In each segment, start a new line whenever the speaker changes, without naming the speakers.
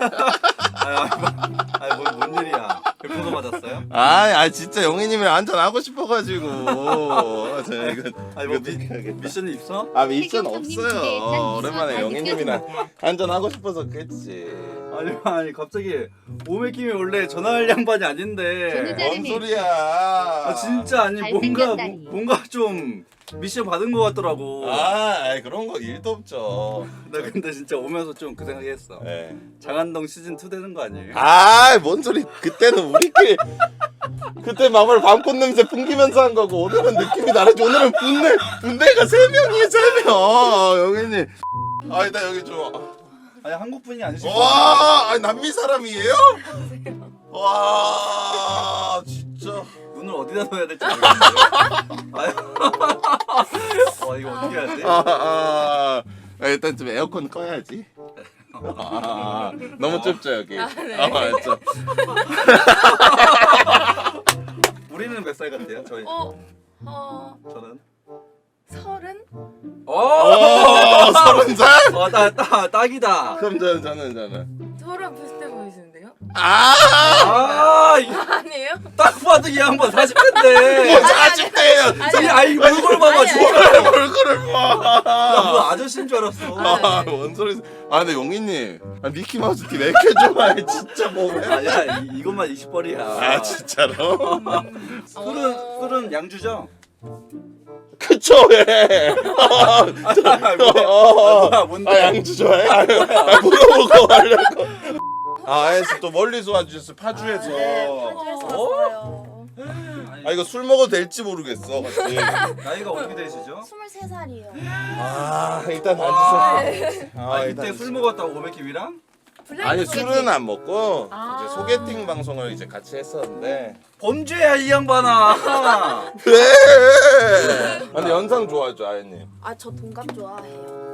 뭔 일이야? 별풍선 맞았어요?
아 진짜 영희님이랑 한잔 하고 싶어가지고.
미션이 있어?
아 미션 없어요. 오랜만에 영희님이랑 한잔 하고 싶어서 그랬지.
아니 갑자기 오메킴이 원래 전화할 양반이 아닌데.
뭔 소리야?
아 진짜 아니 뭔가 좀 미션 받은 것 같더라고.
아 그런 거 일도 없죠.
나 근데 진짜 오면서 좀 그 생각했어.
네.
장한동 시즌 2 되는 거 아니에요?
뭔 소리? 그때는 우리끼리 그때 마블 밤꽃 냄새 풍기면서 한 거고 오늘은 느낌이 다르지. 오늘은 분대가 3명이에요 3명. 영희님. 나 여기 좋아.
아니 한국 분이 아니시고.
와, 남미 사람이에요? 와, 진짜.
눈을 어디다 넣어야 될지 모르겠는데. 이거 어떻게 해야 돼?
일단 좀 에어컨 꺼야지. 너무 좁죠 여기.
네.
알죠.
우리는 몇 살 같아요? 저희. 저는.
30?
30살?
딱이다.
그럼 저는.
저랑 비슷해 보이시는데요?
이거
아니에요?
딱 봐도 이 양반 40대인데.
뭐 40대예요.
아이 얼굴 봐봐
아니,
진짜.
얼굴을 봐.
뭐 아저씨인 줄 알았어.
뭔 소리? 근데 용희님, 미키 마우스 팀 왜 이렇게 좋아해? 진짜 뭐해?
아니야 이것만 20벌이야.
진짜로?
술은 양주죠?
그쵸 왜?
뭔데?
양주 좋아해? 물어보고 하려고. 알았어. 또 멀리서 와주셨어. 파주에서.
파주에서 왔어요.
이거 술 먹어도 될지 모르겠어. 같이.
나이가 어떻게 되시죠?
23살이에요.
일단
와.
앉으세요.
이때 술 먹었다고 오메킴이랑?
아니 술은 안 먹고
아.
이제 소개팅 방송을 이제 같이 했었는데.
범죄야 이 양반아.
왜? 근데 연상 좋아하죠 아연님.
저 동갑 좋아해요.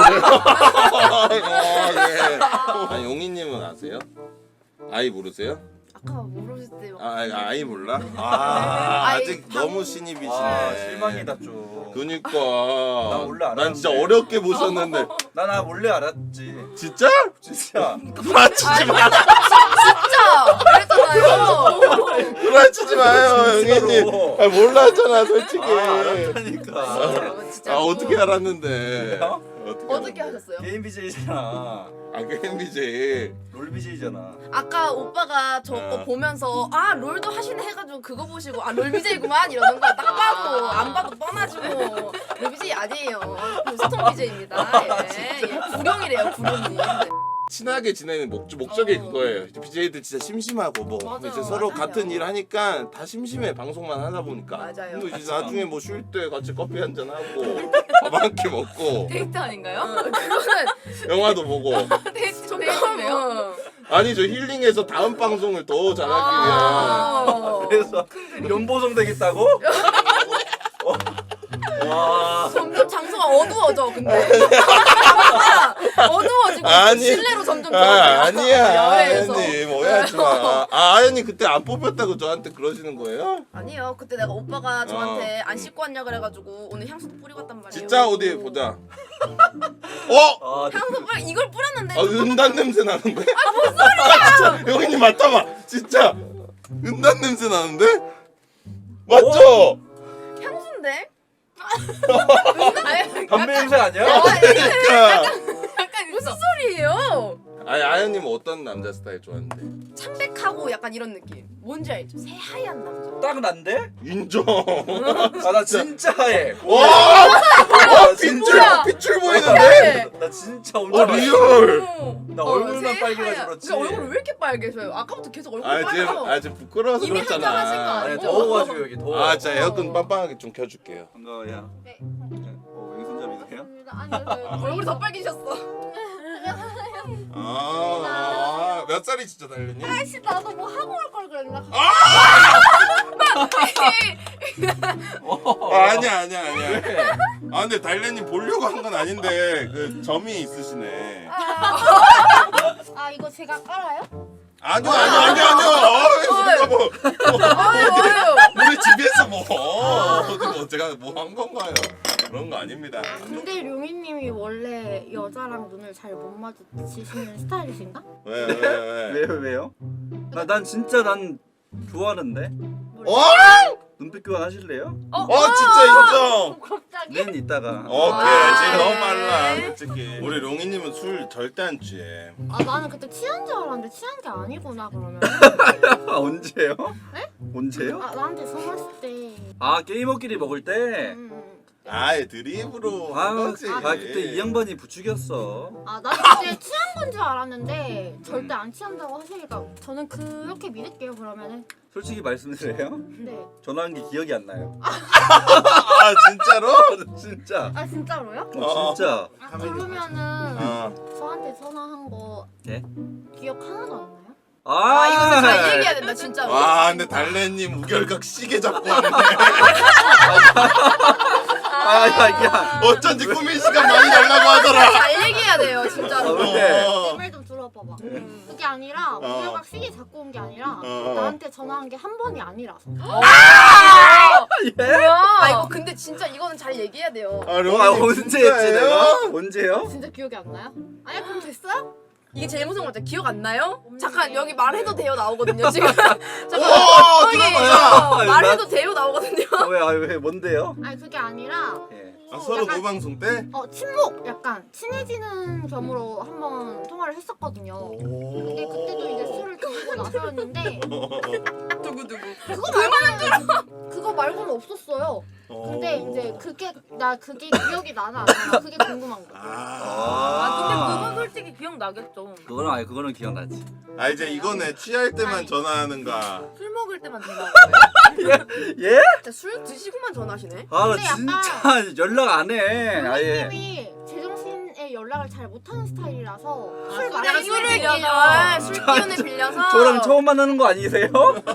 그래요? 용희님은 아세요? 아이 모르세요?
아까 모르실 때요.
아이 몰라? 아직 너무 신입이시네.
실망이다 좀.
그니까
나 원래 알았는데.
난 진짜 어렵게 보셨는데.
나 원래 알았지.
진짜?
진짜.
구라치지 마.
진짜! 그랬잖아요.
구라치지 마요
진짜로.
형님. 몰랐잖아 솔직히.
알았다니까.
진짜.
어떻게 알았는데?
어떻게 하셨어요?
게임 BJ잖아.
그 MBJ.
롤 BJ잖아.
아까 오빠가 저 거 보면서 롤도 하시네 해가지고 그거 보시고 롤 BJ구만 이러는 거야. 딱 봐도 안 봐도 뻔하지 뭐. 롤 BJ 아니에요. 소통 BJ입니다. 예. 구룡이래요 구룡님.
친하게 지내는 목적이 그거예요. BJ들 진짜 심심하고 뭐
맞아요,
이제 서로
맞아요.
같은 일 하니까 다 심심해 방송만 하다 보니까.
맞아요.
뭐 이제 나중에 뭐 쉴 때 같이 커피 한잔 하고 밥 한 끼 먹고
데이트 아닌가요? 그거는
영화도 보고.
데이트네요.
아니 저 힐링해서 다음 방송을 더 잘하기 위한.
그래서 연보성 되겠다고? 와.
점점 장소가 어두워져 근데. 어두워지고
아니.
실내로 점점
아니야
야외에서.
아연님 오해하지 마. 아연님 그때 안 뽑혔다고 저한테 그러시는 거예요?
아니요 그때 내가 오빠가 저한테 안 씻고 왔냐 그래가지고 오늘 향수도 뿌리고 왔단 말이에요.
진짜 어디 보자.
향수 이걸 뿌렸는데
은단 냄새 나는데? 뭔 소리야? 진짜 여기님 맞다봐. 진짜 은단 냄새 나는데? 맞죠?
향수인데?
담배 냄새 아니야?
그러니까.
약간 무슨 소리예요?
아연님 어떤 남자 스타일 좋아하는데?
창백하고 약간 이런 느낌. 뭔지 알죠? 새하얀 남자.
딱 난데?
인정.
나 진짜 하얘.
와
뭐야?
pit줄 보이는데?
나 진짜 엄청 하얘.
리얼.
나 얼굴만 빨개가지고 그렇지.
근데 얼굴이 왜 이렇게 빨개져요? 아까부터 계속 얼굴
지금
빨개서.
지금 부끄러워서
이미
그렇잖아.
한잔 하신 거
아니
아니죠?
더워가지고 여기 더워.
진짜 에어컨 빵빵하게 좀 켜줄게요.
반가워요.
네.
왼손잡이세요?
얼굴이 더 빨개졌어.
몇 살이시죠 달련님?
아씨 나도 뭐 하고 올 걸 그랬나?
아니야. 근데 달련님 보려고 한 건 아닌데 그 점이 있으시네.
이거 제가 깔아요?
아니요. 우리가 뭐
아유.
우리 집에서 뭐 어디 제가 뭐 한 건가요? 그런 거 아닙니다.
근데 룡이님이 원래 여자랑 눈을 잘 못 마주치시는 스타일이신가?
왜?
왜요? 난 진짜 난 좋아하는데.
어?
눈빛 교환 하실래요?
진짜 인정.
갑자기?
는 이따가.
오케이 지금 너무 빨라 솔직히. 우리 롱이님은 술 절대 안 취해.
아 나는 그때 취한 줄 알았는데 취한 게 아니구나 그러면.
아, 언제요?
네?
언제요?
아 나한테 선물했을 때.
아 게이머끼리 먹을 때.
아예 드립으로 한 거지.
그때 이 양반이 부추겼어.
아 나는 그때 취한 건 줄 알았는데 절대 안 취한다고 하시니까 저는 그렇게 믿을게요 그러면은.
솔직히 말씀드려요?
네.
전화한 게 기억이 안 나요.
아 진짜로?
진짜.
아 진짜로요?
진짜.
아 그러면은 저한테 전화한 거
예?
기억 하나도 안 나요?
아 이거 진짜 잘 얘기해야 된다 진짜로.
와 근데 달래님 우결각 시계 잡고 왔네.
야.
어쩐지 꾸민 시간 많이 달라고 하더라.
잘 얘기해야 돼요 진짜로.
왜?
내 말 좀 들어봐봐. 그게 아니라
어.
우열각 시계 잡고 온 게 아니라
어.
나한테 전화한 게 한 번이 아니라서.
아 이거 근데 진짜 이거는 잘 얘기해야 돼요.
아
와
롱이님
언제 했지
진짜예요?
내가? 언제요?
진짜 기억이 안 나요? 아니 그럼 됐어요?
이게 제일 무서운 거 같아. 기억 안 나요? 잠깐 여기 말해도 돼요 나오거든요 지금. 잠깐
오,
여기
들어봐요.
말해도 돼요 나오거든요.
왜 뭔데요?
아니 그게 아니라
예.
서로
약간-
노방송 때?
친목 약간 친해지는 겸으로 한번 통화를 했었거든요. 근데 그때도 이제 술을 드시고 나서였는데
누구?
그거 말고는 없었어요. 근데 이제 그게 기억이 나나 안 나나 그게 궁금한 거야.
아,
솔직히 기억 나겠죠.
그거는 기억나지.
아 이제 이거네 취할 때만
아니.
전화하는가.
술 먹을 때만 전화하는 거예요?
예?
진짜 술 드시고만 전화하시네.
아 나
근데 약간-
진짜 연락 안 해. 아예.
선생님이 제정신에 연락을 잘 못하는 스타일이라서 술
약간
많이
술을
빌려서
술 기운을 빌려서.
저랑 처음 만나는 거 아니세요?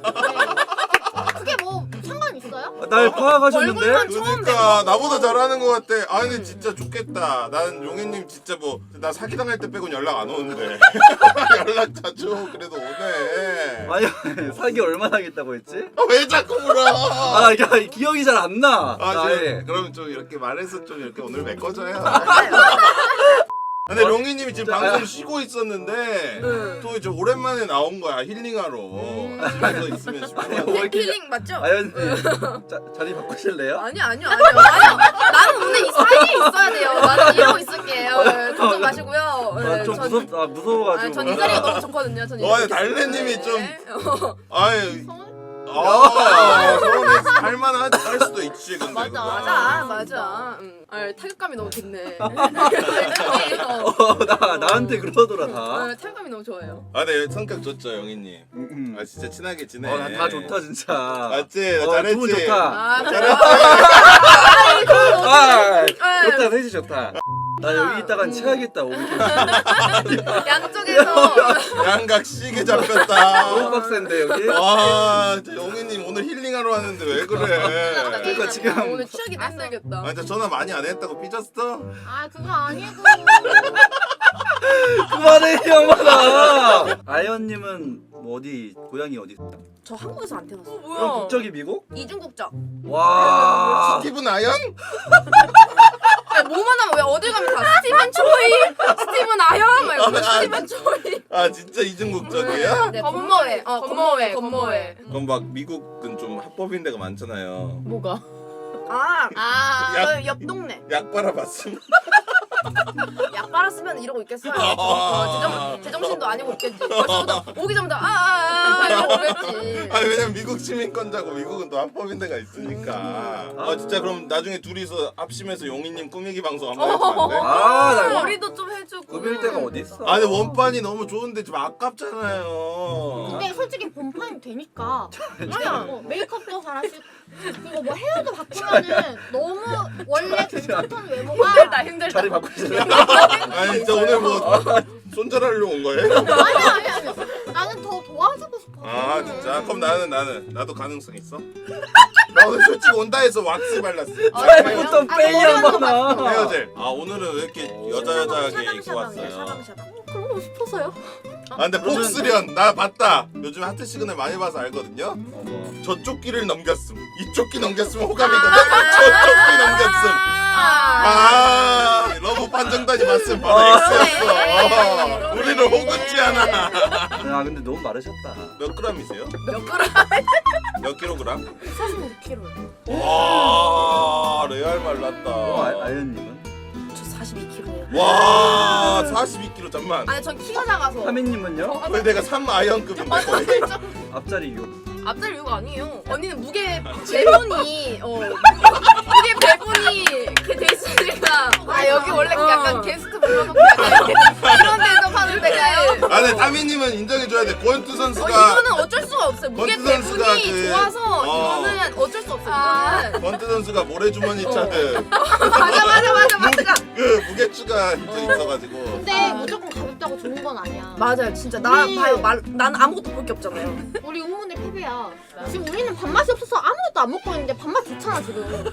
그게 뭐 상관 있어요?
날 파악하셨는데?
얼굴만 처음
그러니까 나보다 잘하는 것 같아. 아 근데 진짜 좋겠다. 난 용혜님 진짜 뭐 나 사기당할 때 빼곤 연락 안 오는데 연락 자주 오고 그래도 오네.
아니 사기 얼마나 하겠다고 했지?
왜 자꾸 물어?
야 기억이 잘 안 나.
지금 그럼 좀 이렇게 말해서 좀 이렇게 오늘 메꿔줘요. 근데 롱이님이 지금 방송 쉬고 있었는데 또 이제 오랜만에 나온 거야 힐링하러. 집에서 있으면 싶어.
힐링 맞죠?
아연님 자리 바꾸실래요?
아니요. 나는 오늘 이 사이에 있어야 돼요. 나는 이러고 있을게요. 걱정 마시고요.
좀 무서워가지고.
전 이 자리가 너무 좋거든요. 전 이
와,
자리가
달래님이
좋거든요.
아유
서울?
서운해서 할 수도 있지 근데
맞아.
그거.
맞아. 타격감이 너무 좋네.
나한테 그러더라 다.
타격감이 너무 좋아요.
아 근데 성격 좋죠 영희님. 아 진짜 친하게 지내.
다 좋다 진짜.
맞지? 나 잘했지?
두분 좋다.
잘했지?
좋다 셋이 좋다. 나 여기 있다간 체하겠다.
양쪽에서
양각 시계 잡혔다.
너무 빡센데 여기.
와 진짜 영희님 오늘 힐링하러 왔는데 왜 그래?
그러니까 지금
오늘 취하기 낯설겠다.
아 진짜 전화 많이 안 했다고 삐졌어?
아 그거 아니고
그만해 이 양반아. 아연님은 뭐 어디 고향이 어디?
저 한국에서 안 태어났어.
그럼 국적이 미국?
이중 국적.
와.
스티븐 아연?
뭐만 하면 왜 어딜 가면 다 스티븐 초이, 스티븐 아연 말고 스티븐 초이.
아 진짜 이중 국적이야?
네, 건모회. 건모회.
그럼 막 미국은 좀 합법인 데가 많잖아요.
뭐가? 옆 동네.
약 빨아봤음?
약 빨았으면 이러고 있겠어요. 제정신도 아니고 있겠지. 벌써부터 오기 전부터 이러고 있겠지.
아니 왜냐면 미국 시민권자고 미국은 또 합법인 데가 있으니까. 아 진짜 그럼 나중에 둘이서 합심해서 용희님 꾸미기 방송 한번 해주면 안 돼?
나
머리도 좀 해주고.
꾸밀 데가 어디 있어?
아니 원판이 너무 좋은데 좀 아깝잖아요.
근데 솔직히 본판이 되니까 메이크업도 잘하시고 그리고 뭐 헤어도 바꾸면은 너무 원래 괜찮던 외모가
힘들다.
자리 바꾸실래?
아니 진짜 오늘 뭐 손절하려고 온 거예요?
아니 나는 더 도와주고 싶어.
아 진짜? 그럼 나도 가능성 있어? 나 오늘 솔직히 온다 해서 왁스 발랐어.
잘부터 빼이 양반아.
헤어질. 아 오늘은 왜 이렇게 여자하게 입고 왔어요?
샤방샤방.
그러고 싶어서요.
아 근데
그러면-
폭스련 나 봤다. 요즘 하트 시그널 많이 봐서 알거든요.
뭐.
저쪽 길을 넘겼음. 이쪽 길 넘겼으면 호감이거든. 저쪽 길 넘겼음. 아 러브 판정단이 맞음. 바로 X였어. 우리를 호구지 않아.
아 근데 너무 마르셨다.
몇 그램이세요?
몇 그램?
몇 킬로그램?
46kg.
와 레알 말랐다.
아연님은?
저 42kg예요.
와 42kg 잠만.
아니 전 키가 작아서.
하민님은요?
거의 내가 3아이언급인데 거의.
앞자리 6.
앞자리 이유가 아니에요. 언니는 무게 배분이 무게 배분이 이렇게 돼 있으니까 아 여기 원래 약간 게스트 불러놓고 약간 이런 데서 파는 데가요.
아 근데 타미님은 인정해줘야 돼. 권투 선수가
이거는 어쩔 수가 없어요. 무게
권투 선수가
배분이
그-
좋아서 이거는 어쩔 수 없어요. 이거는
권투 선수가 모래주머니 차듯
맞아.
그 무게추가 있어가지고.
근데 무조건 가볍다고 좋은 건 아니야.
맞아요, 진짜 나
우리-
봐요. 난 아무것도 볼 게 없잖아요.
우리 응원의 패배야. 지금 우리는 밥맛이 없어서 아무것도 안 먹고 있는데 밥맛 좋잖아 지금.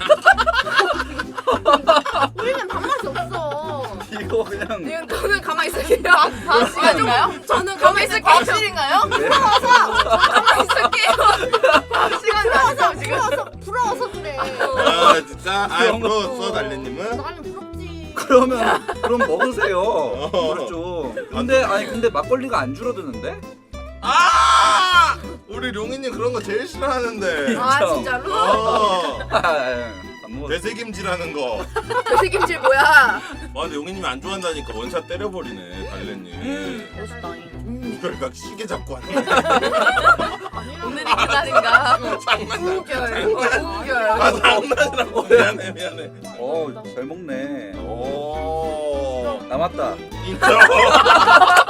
우리는 밥맛이 없어.
이거 그냥
저는 가만히 있을게요. 다음 시간인가요? 저는 가만히 있을게요. 다음 시간인가요? 가만히 있을게요. 다음 시간 나왔어 지금.
부러워서 그래.
아 진짜? 아 부러웠어 달래님은?
나는 부럽지.
그럼 먹으세요. 이걸 좀. 근데 막걸리가 안 줄어드는데?
아 우리 룡이님 그런 거 제일 싫어하는데.
아 진짜로?
안 먹었어.
되새김질하는 거.
되새김질 뭐야?
아 근데 용이님이 안 좋아한다니까 원샷 때려버리네 달래님.
멋있다.
이걸 막 시계 잡고 하는
오늘이 그날인가? 우결. 우결.
아 장난이라고. 미안해.
잘 먹네.
오
남았다.
인정.